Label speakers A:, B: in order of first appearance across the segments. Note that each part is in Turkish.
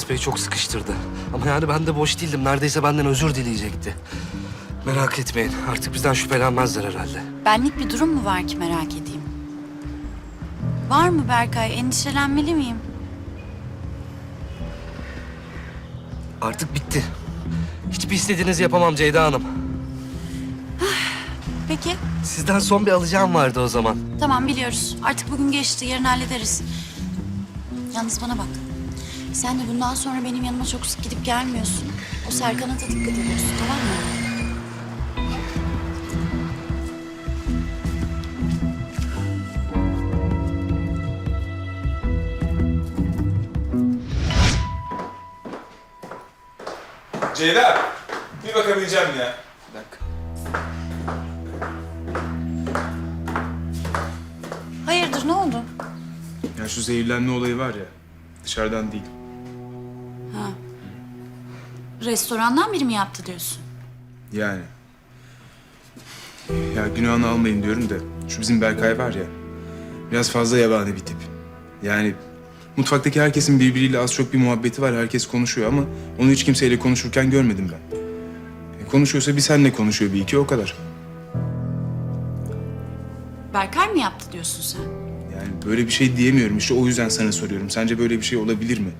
A: Bey çok sıkıştırdı. Ama yani ben de boş değildim. Neredeyse benden özür dileyecekti. Merak etmeyin. Artık bizden şüphelenmezler herhalde.
B: Benlik bir durum mu var ki merak edeyim? Var mı Berkay? Endişelenmeli miyim?
A: Artık bitti. Hiçbir istediğinizi yapamam Ceyda Hanım.
B: Peki.
A: Sizden son bir alacağım vardı o zaman.
B: Tamam biliyoruz. Artık bugün geçti. Yarın hallederiz. Yalnız bana bak. Sen de bundan sonra benim yanıma çok sık gidip gelmiyorsun. O Serkan'a da dikkat ediyorsun, tamam mı?
C: Ceyda, bir bakabileceğim ya.
A: Bir dakika.
B: Hayırdır, ne oldu?
C: Ya şu zehirlenme olayı var ya, dışarıdan değil.
B: Ha. Restorandan biri mi yaptı diyorsun?
C: Yani. Ya günahını almayın diyorum da, şu bizim Berkay var ya, biraz fazla yabani bir tip. Yani mutfaktaki herkesin birbiriyle az çok bir muhabbeti var, herkes konuşuyor ama onu hiç kimseyle konuşurken görmedim ben. Konuşuyorsa bir senle konuşuyor bir iki, o kadar.
B: Berkay mı yaptı diyorsun sen?
C: Yani böyle bir şey diyemiyorum işte, o yüzden sana soruyorum. Sence böyle bir şey olabilir mi?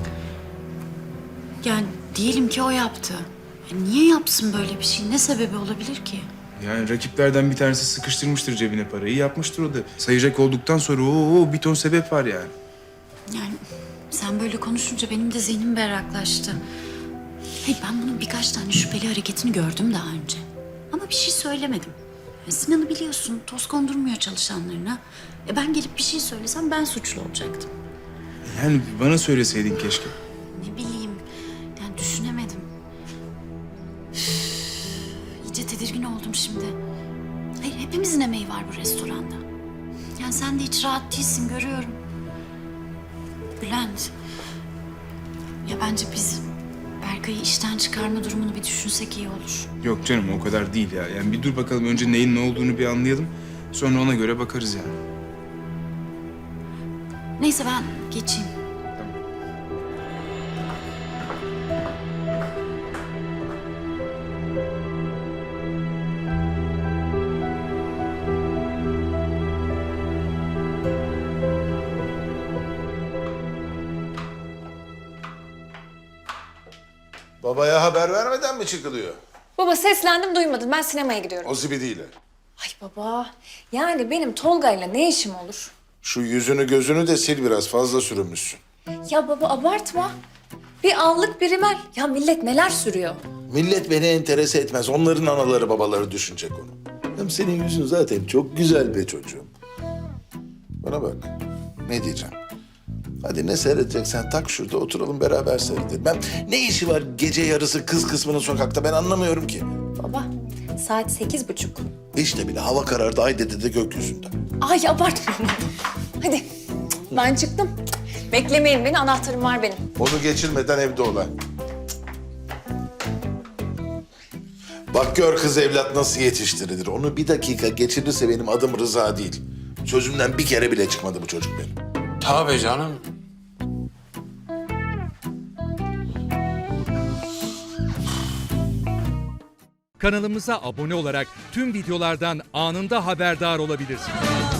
B: Yani diyelim ki o yaptı. Niye yapsın böyle bir şey? Ne sebebi olabilir ki?
C: Yani rakiplerden bir tanesi sıkıştırmıştır cebine parayı, yapmıştır o da. Sayacak olduktan sonra bir ton sebep var yani.
B: Yani sen böyle konuşunca benim de zihnim berraklaştı. Hey, ben bunun birkaç tane şüpheli hareketini gördüm daha önce. Ama bir şey söylemedim. Sinan'ı biliyorsun, toz kondurmuyor çalışanlarına. Ben gelip bir şey söylesem ben suçlu olacaktım.
C: Yani bana söyleseydin keşke.
B: Ne bileyim, yani düşünemedim. Üf, İyice tedirgin oldum şimdi. Hayır, hepimizin emeği var bu restoranda. Yani sen de hiç rahat değilsin, görüyorum. Bülent, ya bence biz Berkay'ı işten çıkarma durumunu bir düşünsek iyi olur.
C: Yok canım, o kadar değil ya. Yani bir dur bakalım, önce neyin ne olduğunu bir anlayalım. Sonra ona göre bakarız yani.
B: Neyse ben geçeyim.
D: Babaya haber vermeden mi çıkılıyor?
E: Baba seslendim duymadın. Ben sinemaya gidiyorum.
D: O zibidiyle.
E: Ay baba. Yani benim Tolga'yla ne işim olur?
D: Şu yüzünü gözünü de sil, biraz fazla sürünmüşsün.
E: Ya baba abartma. Bir allık bir rimel. Ya millet neler sürüyor?
D: Millet beni enterese etmez. Onların anaları babaları düşünecek onu. Hem senin yüzün zaten çok güzel be çocuğum. Bana bak. Ne diyeceğim? Hadi ne seyredeceksen tak şurada oturalım beraber seyredelim. Ben ne işi var gece yarısı kız kısmının sokakta, ben anlamıyorum ki.
E: Baba saat 8:30.
D: İşte bile hava karardı, ay dedi de gökyüzünde.
E: Ay abartma. Hadi ben çıktım. Beklemeyin beni, anahtarım var benim.
D: Onu geçirmeden evde olan. Bak gör kız evlat nasıl yetiştirilir. Onu bir dakika geçirirse benim adım Rıza değil. Sözümden bir kere bile çıkmadı bu çocuk benim.
F: Tabii canım.
G: Kanalımıza abone olarak tüm videolardan anında haberdar olabilirsiniz.